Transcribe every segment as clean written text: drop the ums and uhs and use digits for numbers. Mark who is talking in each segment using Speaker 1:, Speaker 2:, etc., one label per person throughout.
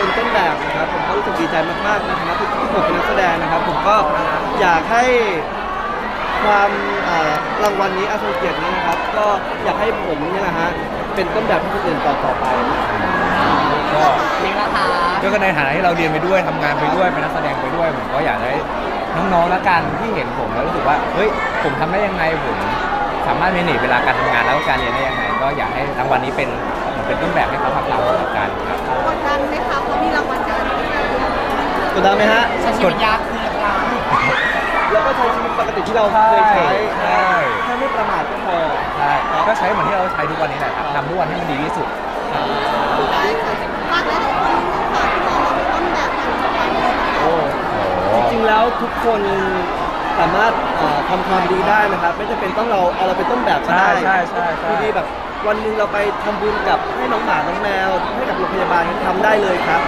Speaker 1: เป็นต้นแบบนะครับผมก็รู้สึกดีใจมากๆในฐานะที่ผมเป็นนักแสดงนะครับผมก็อยากให้ความรางวัลนี้อาทรงเกียรตินี้นะครับก็อยากให้ผมเนี่ยนะฮะเป็นต้นแบบให้คนอื่นต่อไป
Speaker 2: ก็
Speaker 3: นี่ละค่ะ
Speaker 2: ก็ในฐานะที่เราเรียนไปด้วยทำงานไปด้วยเป็นนักแสดงไปด้วยผมก็อยากให้น้องๆละกันที่เห็นผมแล้วรู้สึกว่าเฮ้ยผมทำได้ยังไงผมสามารถเมเนจเวลาการทำงานแล้วก็การเรียนได้ยังไงก็อยากให้รางวัลนี้เป็นต้นแบบให้เขาทำตามละกันครับ
Speaker 4: กดดันไหมคะเพราะมีรางวัลการันตี
Speaker 1: กดดันไหมฮะ
Speaker 3: ใช้ชีวิตยากขึ้นหรือเปล่า
Speaker 1: แล้วก็ใช้ชีวิตปกติที่เราเคยใช้
Speaker 2: ใช่
Speaker 1: แค่ไม่ประมาทก็พอ
Speaker 2: ใช่ก็ใช้เหมือนที่เราใช้ทุกวันนี้แหละครับทำทุกวันให้มันดีที่สุด
Speaker 4: ได้ค่ะฝากหลายๆคนค่ะที่มองเราเป็นต้นแบบการทำงานเลยนะคะ
Speaker 1: โอ้จริงๆแล้วทุกคนสามารถทำความดีได้นะครับไม่จำเป็นต้องเอาเราเป็นต้นแบบก็ได้
Speaker 2: ใช่
Speaker 1: คือดีแบบวันหนึ่งเราไปทำบุญกับให้น้องหมาน้องแมวให้กับโรงพยาบาลทำได้เลยครับ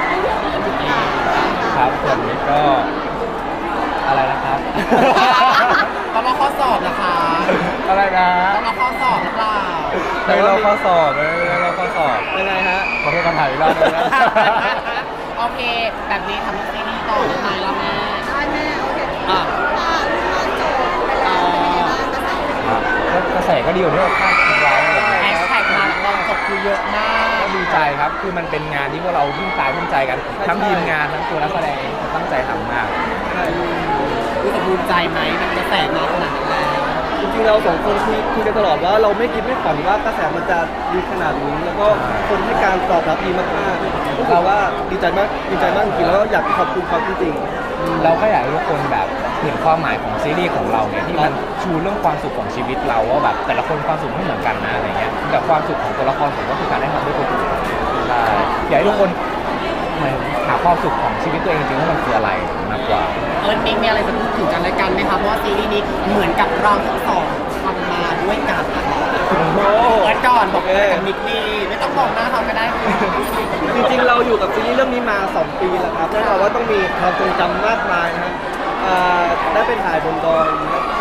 Speaker 2: ครับส่วนนี้ก็อะไรนะครับ
Speaker 3: ต้องรอข้อสอบนะคะ
Speaker 2: อะไรนะ
Speaker 3: ต้องรอข้อสอบหรือเปล่า
Speaker 2: ไม่เราข้อสอบไม่เราข้อสอบ
Speaker 1: ยังไงฮะ
Speaker 2: ขอโทษคำถามอีกรอบนึงนะ
Speaker 3: โอเค แบบนี้ทำซีรีส์ต่อได้ไหมล่ะแม่
Speaker 4: ได้แม่โอเค
Speaker 3: อ่ะ
Speaker 4: ค่ะลูกน้องจบไปแล้วเป็นยังไงบ้างกระแส
Speaker 2: ครับกระแสก็ดีอยู่ที่เราคาดคิดไว้อะไรอย่างเงี้ย
Speaker 3: แฮชแท็กมาตอนจบคือเยอะมาก
Speaker 2: ก็ดีใจครับ คือมันเป็นงานที่พวกเราทุ่มกายทุ่มใจกัน ทั้งทีมงานทั้งตัวนักแสดงเองตั้งใจทำมาก
Speaker 3: รู้สึกภูมิใจไหมกับกระแสมาขนาดนั้นแล้ว
Speaker 1: จริงๆเราสองคนคุยกันตลอดว่าเราไม่คิดไม่ฝันว่ากระแสมันจะดีขนาดนี้แล้วก็คนให้การตอบรับดีมากๆเราว่าดีใจมากจริงๆแล้วก็อยากขอบคุณเขาจริงๆ
Speaker 2: เราก็อยากให้ทุกคนแบบเห็นความหมายของซีรีส์ของเราเนี่ยที่มันชูเรื่องความสุขของชีวิตเราว่าแบบแต่ละคนความสุขไม่เหมือนกันนะอะไรเงี้ยแต่ความสุขของตัวละครผมก็คือการได้ทำด้วยคนอื่นใช่อยากให้ทุกคนเหมือนหาความสุขของชีวิตตัวเองจริงๆว่ามันคืออะไรมากกว่า
Speaker 3: มิกมีอะไรจะพูดถึงกันและกันไหมคะเพราะว่าซีรีส์นี้เหมือนกับเราทั้งสองทำมาด้วยกันนะคะ
Speaker 1: โอ้โห
Speaker 3: เปิดก่อนบอกเลยกับมิกนี่ไม่ต้องบอกหน้าเขาก็ได้
Speaker 1: จริงๆเราอยู่กับซีรีส์เรื่องนี้มา 2 ปีแล้วครับแน่นอนว่าต้องมีความทรงจำมากมายนะครับได้ไปถ่ายบนดอย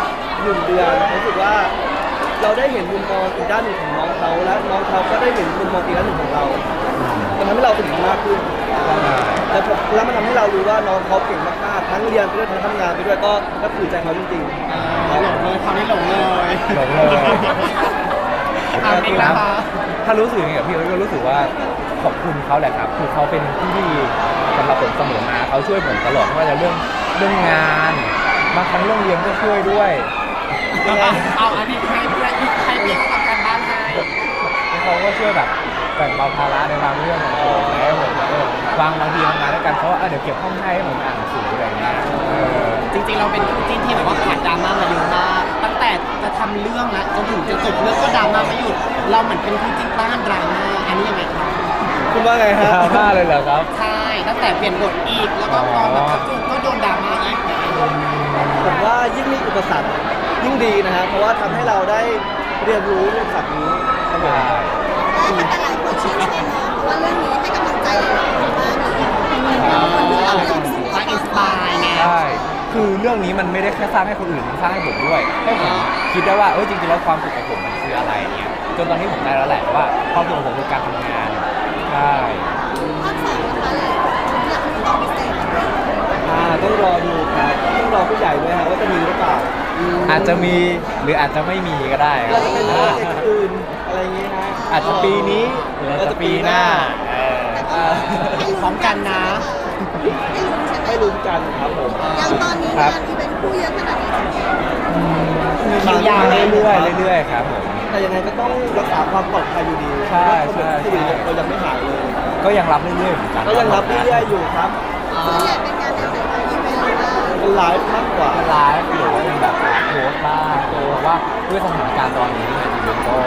Speaker 1: 1 เดือนรู้สึกว่าเราได้เห็นมุมมองอีกด้านหนึ่งของน้องเขาและน้องเขาก็ได้เห็นมุมมองอีกด้านหนึ่งของเรามันทำให้เราสนิทมากขึ้นแล้วมันทำให้เรารู้ว่าน้องเขาเก่งมากๆทั้งเรียนไปด้วยทั้งทำงานไปด้วยก็ถือใจเขาจริงๆ
Speaker 3: หลงเลยคราวนี้หลงเลย
Speaker 2: หลงเลย
Speaker 3: มิกนะคะ
Speaker 2: ถ้ารู้สึกอย่างนี้กับพี่ก็รู้สึกว่าขอบคุณเขาแหละครับคือเขาเป็นพี่ที่ดีสำหรับผมเสมอมาเขาช่วยผมตลอดไม่ว่าจะเรื่องงานบางครั้งเรื่องเรียนก็ช่วยด้วย
Speaker 3: เอาอันนี้ให้เพื่อนให้พี่เขาทำการบ้านให้
Speaker 2: แล้วเขาก็ช่วยแบบแบ่งเบาภาระในบางเรื่องของผมแล้วผมบางทีทำงานด้วยกันเขาว่าเดี๋ยวเก็บห้องให้ผมอ่านหนังสืออะไรอย่างเงี้ย
Speaker 3: จริงๆเราเป็นคู่จิ้นที่แบบว่าผ่านดราม่ามาเยอะมากตั้งแต่จะทำเรื่องแล้วจนถึงจะจบเรื่องก็ดราม่าไม่หยุดเราเหมือนเป็นคู่จิ้นต้านดราม่าอันนี้ยังไงครับ
Speaker 1: คุณว่าไง
Speaker 2: ด
Speaker 1: ฮะ
Speaker 2: ราม่าเลยเหรอครับ
Speaker 3: ใช่ตั้งแต่เปลี่ยนบทอีกแล้วก็ตอนแบบกระจุกก็โดนดราม่าอีก
Speaker 1: ผมว่ายิ่งมีอุปสรรคยิ่งดีนะฮะเพราะว่าทำให้เราได้เรียนรู้เรื่องศัพท์นี้ครับผม
Speaker 4: แต่หลายคนชื่นชมเนาะเพราะว่าเรื่องนี้ให้กำลังใจหลายๆคนมากเลยคนที่เราอยากสู้
Speaker 3: ว่าอินสปายไง
Speaker 2: ใช่คือเรื่องนี้มันไม่ได้แค่สร้างให้คนอื่นมันสร้างให้ผมด้วยให้ผมคิดได้ว่าจริงๆแล้วความสุขของผมมันคืออะไรเนี่ยจนตอนนี้ผมได้แล้วแหละว่าความสุขของผมคือการทำงานใช่
Speaker 4: ภาค 2นะคะหลายคนอยากให้ตอนพิเศษด้วย
Speaker 1: ต้องรอดูครับต้องรอผู้ใหญ่ด้วยฮะว่าจะมีหรือเปล่า
Speaker 2: อาจจะมีหรืออาจจะไม่มีก็ได้ค
Speaker 1: อา
Speaker 2: รั
Speaker 1: จ
Speaker 2: บ
Speaker 1: จะเป็นโปรเจกต์อื่นอะไรอย่างงี้ฮะ
Speaker 2: อาจจะปีนี้หรืออาจจะปีหน้า
Speaker 3: พร้อมกันนะ
Speaker 4: ให้ลุ้นใช่ไหม
Speaker 1: ให้ลุ้นกันครับผม
Speaker 4: อย่างตอนนี้งานอีเวนต์คู่เยอะขนาดนี้
Speaker 3: คิวยาว
Speaker 2: เรื่อยๆครับผม
Speaker 1: แต่ยังไงก็ต้องรักษาความปลอดภัยอยู่ดี
Speaker 2: ใช่
Speaker 1: เพราะว่าโควิดเรายังไม่หายเลย
Speaker 2: ก็ยังรับเรื่อยๆเหมือนกัน
Speaker 1: ก็ยังรับเรื่อยๆอยู่ครับ
Speaker 4: ส่วนใหญ่เป็นงานแนวไหนคะอีเวนต์หรือว่า
Speaker 1: เป็นไลฟ์มากกว่า
Speaker 2: ไลฟ์หรือว่าเป็นแบบโพสต์บ้างเพราะว่าด้วยสถานการณ์ตอนนี้เนี่ยจริงๆก็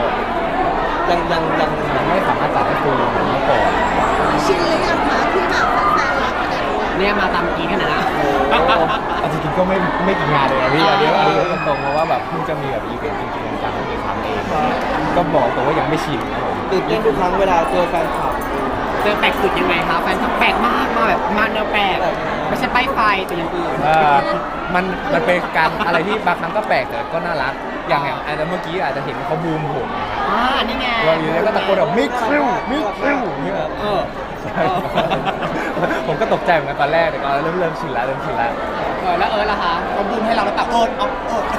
Speaker 2: ยังไม่สามารถจัดให้ฟูลเหมือนเมื่อก่อน
Speaker 4: ชินหรือยังคะที่แบบแฟนๆรักขนาดนี้
Speaker 3: เนี่ยมาตามกี้กันนะ
Speaker 2: เอาจริงๆก็ไม่กี่งานเลยนะพี่อันนี้ตรงๆเพราะว่าแบบเพิ่งจะมีแบบอีเวนต์จริงๆจังๆอีกครั้งเองก็บอกตัวว่ายังไม่ชินครับผม
Speaker 1: ตื่นเต้นทุกครั้งเวลาเจอแฟนคลับ
Speaker 3: เจอแปลกสุดยังไงคะแฟนคลับแปลกมากมาแบบมาแนวแปลกไม่ใช่ป้ายไฟแต่อย่างอื่น
Speaker 2: มันเป็นการอะไรที่บางครั้งก็แปลกแต่ก็น่ารักอย่างอาจจะเมื่อกี้อาจจะเห็นเขาบูมผม
Speaker 3: นี่ไง
Speaker 2: เราอยู่แล้วก็ตะโกนแบบมิกซิลมิกซิล
Speaker 3: เออ
Speaker 2: ผมก็ตกใจเหมือนกันตอนแรกแต่ก็เริ่มชินแล้ว
Speaker 3: แล้วล่ะคะเขาบูมให้เราแล้วตักโอด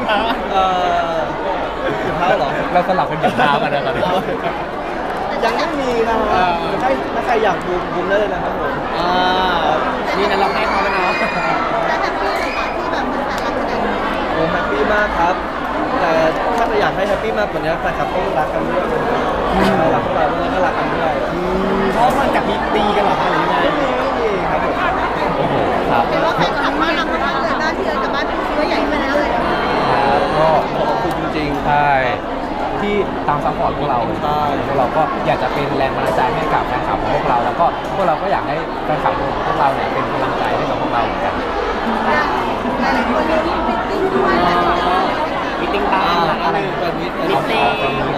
Speaker 1: ถึงเท้าเหรอ
Speaker 2: เราสลับกันหยิบเท้ากันนะตอนนี้
Speaker 1: ยังไม่มีนะครับถ้าใครอยากบูมได้เลยนะครับผม
Speaker 3: นี่นะเราให้เขาแล้วเนาะ
Speaker 4: แล้วแบบพี่ในตอนที่แบบมันแต่ละคน
Speaker 1: โอ้แฮปปี้มากครับ แต่ถ้าจะอยากให้แฮปปี้มากกว่านี้แฟนคลับต้องรักกันด้วยรักพวกเราด้วยก็รักกันด้วย
Speaker 3: เพราะมันกับมีตีกันเหรอคะหรือไง
Speaker 1: ไม่มีครับผม
Speaker 2: โอ้โหครับ
Speaker 4: เห็นว่าแฟนคลับบ้านเรามากเลยบ้านพี่เอิร์ธกับบ้านพี่คิดว่าใหญ่ไปแล้วเลย
Speaker 2: ครับก็
Speaker 1: ขอบคุณจริงๆ
Speaker 2: ใช่ที่ตามซัพพอร์ตพวกเรา
Speaker 1: ใช่
Speaker 2: พวกเราก็อยากจะเป็นแรงบันดาลใจให้กับแฟนคลับของพวกเรา แล้วก็พวกเราก็อยากให้แฟนคลับของพวกเราเนี่ยเป็นกำลังใจให้กับพวกเราเหมือนกัน
Speaker 4: หลายๆคนมีมิตติ้งด้วยนะ
Speaker 3: มีติ้งตามอะไร
Speaker 1: แบบนี้
Speaker 3: มิตติ้ง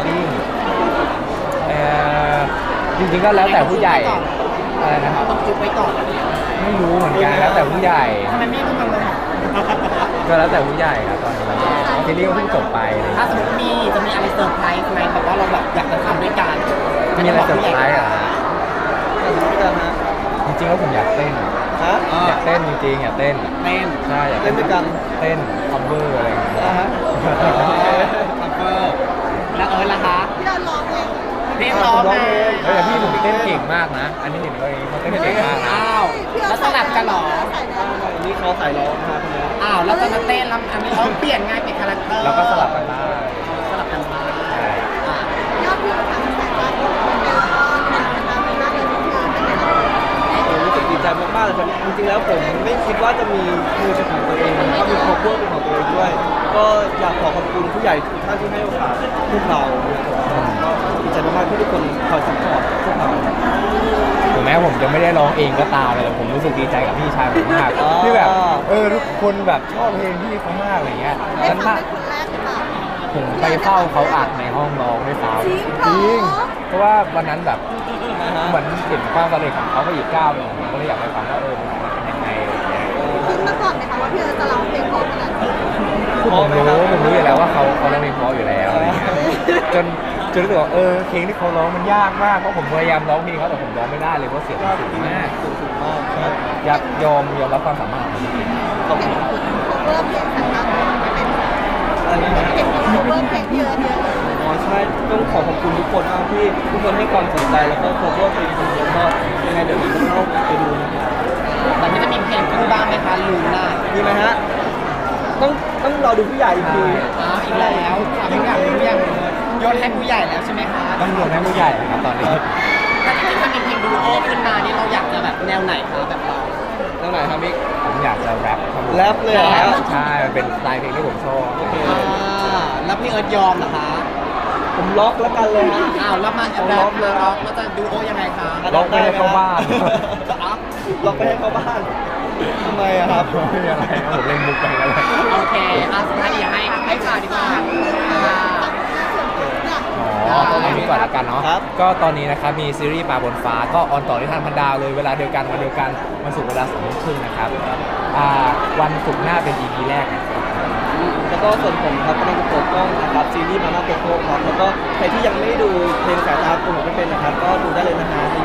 Speaker 2: จริงๆก็แล้วแต่ผู้ใหญ่อะไรนะครับ
Speaker 3: ต้องจุกไว้ก่อน
Speaker 2: ไม่รู้เหมือนกันแล้วแต่ผู้ใหญ่
Speaker 3: ทำไมไม่ต้องทำเลย
Speaker 2: ก็แล้วแต่ผู้ใหญ่ครับตอนนี้ซีรีส์ก็เพิ่งจบไปอะไรอย่าง
Speaker 3: ถ้า
Speaker 2: เงี้ย
Speaker 3: สมมติจะมีอะไรเซอร์ไพรส์ไหมแบบว่าเราแบบอยากจะทำด้วยกัน
Speaker 2: มีอะไรเซอร์ไพรส์อ่ะ
Speaker 1: ด้วยกันฮะ
Speaker 2: จริงๆแล้วผมอยากเต้น
Speaker 1: ฮะ
Speaker 2: อยากเต้นจริงๆอยากเต้น
Speaker 3: เต้น
Speaker 2: ใช่อยาก
Speaker 1: เล่นด้วยกัน
Speaker 2: เต้นคัมเบอร์อะไรอย่างเงี้ย
Speaker 1: นะฮะ
Speaker 3: คัฟเวอร์แล้วล่ะคะ
Speaker 4: พี่เราร้องเอง
Speaker 3: เรียกร้องมา
Speaker 2: เฮ้ยแต่พี่ผมเต้นเก่งมากนะ อันนี้เห็นเขาเองเขาเต้นเก่งมากนะ
Speaker 3: อ้าวแล้วสลับกันเหรอ
Speaker 1: นี่เขาใส่ร้องครับคนนี้
Speaker 3: อ้าวแล้วตอนนั้นเต้นแล้วอันนี้เขาเปลี่ยนไงเปลี่ยนคาแรคเตอร์
Speaker 2: เราก็สลับกันได้
Speaker 3: สลับกันมา
Speaker 2: ใช่
Speaker 4: ยอดวิวทางสายการเป็นแล้วก็เป็นตามที่น่าจะรู้คือเป็นยังไง
Speaker 1: ผมรู้สึกดีใจมากๆเลยครับจริงๆแล้วผมไม่คิดว่าจะมีมือเป็นของตัวเองก็มีครอบครัวเป็นของตัวเองด้วย ก็อยากขอขอบคุณผู้ใหญ่ทุกท่านที่ให้โอกาสพวกเราก็ดีใจมากๆที่ทุกคนคอยซัพพอร์ตพวกเรา
Speaker 2: ถึงแม้ผมจะไม่ได้ร้องเองก็ตามเลยแต่ผมรู้สึกดีใจกับพี่ชายผมมากที่แบบทุกคนแบบชอบเพลงพี่เขามากอะไรเงี้ย
Speaker 4: ได้
Speaker 2: ฉัน
Speaker 4: ฟัง
Speaker 2: น่ะ
Speaker 4: เป็นคนแรกหรือเปล่า
Speaker 2: ผมไปเฝ้าเขาอัดในห้องร้องด้วยซ้ำ
Speaker 4: จริงเหรอ
Speaker 2: เพราะว่าวันนั้นแบบเหมือนเห็นความสำเร็จของเขาไปอีกก้าวหนึ่งผมก็เลยอยากไปฟังว่ามันเป็นยังไงอะไรเงี้ย
Speaker 4: คิดมาก่อนไหมคะว่าพี่เอิร์ธจะร้องเพลงเพราะขนาดนี้
Speaker 2: คือผมรู้อยู่แล้วว่าเขาร้องเพลงเพราะอยู่แล้วอะไรเงี้ยจนรู้สึกว่าเพลงที่เขาร้องมันยากมากเพราะผมพยายามร้องเพลงเขาแต่ผมร้องไม่ได้เลยเพราะเสียงมันสูงมาก
Speaker 1: สูงมากครับ
Speaker 2: อยากยอมรับความสามารถของเขาจริง
Speaker 1: ขอบคุณ
Speaker 4: cover เพลงสายการไม่เป็น
Speaker 1: อะไรนะ
Speaker 4: เห็น cover เพลงพี่เอิร์ธเยอะเลย
Speaker 1: อ๋อใช่ต้องขอขอบคุณทุกคนมากที่ทุกคนให้ความสนใจแล้วก็ขอโทษเพลงของผมก็ยังไงเดี๋ยวนี้เข้าไปดูนะครับ
Speaker 3: แต่ไม่จะมีเพลงคู่บ้างไหมคะลืมได้
Speaker 1: มีไหมฮะต้องรอดูผู้ใหญ่อีกที
Speaker 3: อีกแล้วผู้ใหญ่โยนให้ผู้ใหญ่แล้วใช่ไหมคะ
Speaker 2: ๆต้องโยนให้ผู้ใหญ่นะครับตอนนี้
Speaker 3: ถ้าจริงๆถ้ามีเพลงดูโอขึ้นมานี่เราอยากจะแบบแนวไหนคะแบบเรา
Speaker 1: ตรงไหนครับมิก
Speaker 2: ผมอยากจะแรปครับผม
Speaker 1: แรปเลยเหรอฮะ
Speaker 2: ใช่มันเป็นสไตล์เพลงที่ผมชอบ
Speaker 3: แล้วพี่เอิร์ธยอมเหรอคะ
Speaker 1: ผมล็อกแล้วกันเลยฮะ
Speaker 3: อ้าวแล้วมา
Speaker 1: ผม
Speaker 3: แร
Speaker 1: ล็อ
Speaker 3: ป
Speaker 1: กเลย
Speaker 3: ร็อกแล้วจะดูโอยังไงคะ
Speaker 2: ร้องไม่ได้เข้าบ้าน
Speaker 1: ล็อกไปให้เข้าบ้านทำไมอะครับ
Speaker 2: ไม่มีอะไรครับผมเล่นมุกไปแล้วแหละ
Speaker 3: โอเคสุดท้ายเดี๋ยวให้ข่าวดีกว่า
Speaker 2: อ๋อตอนนี้ก่อนละกันเนาะ
Speaker 1: ครับ
Speaker 2: ก็ตอนนี้นะครับมีซีรีส์ปลาบนฟ้าก็ออนต่อที่ทานพันดาวเลยเวลาเดียวกันวันเดียวกันวันศุกร์เวลา2:30นะครับวันศุกร์หน้าเป็น EP แรกนะครับ
Speaker 1: แล้วก็ส่วนผมครับกำลังจะเปิดกล้องนะครับซีรีส์มาม่าโกโก้ครับแล้วก็ใครที่ยังไม่ได้ดูเพลงสายตาคุณไม่เป็นนะครับก็ดูได้เลยนะฮะใน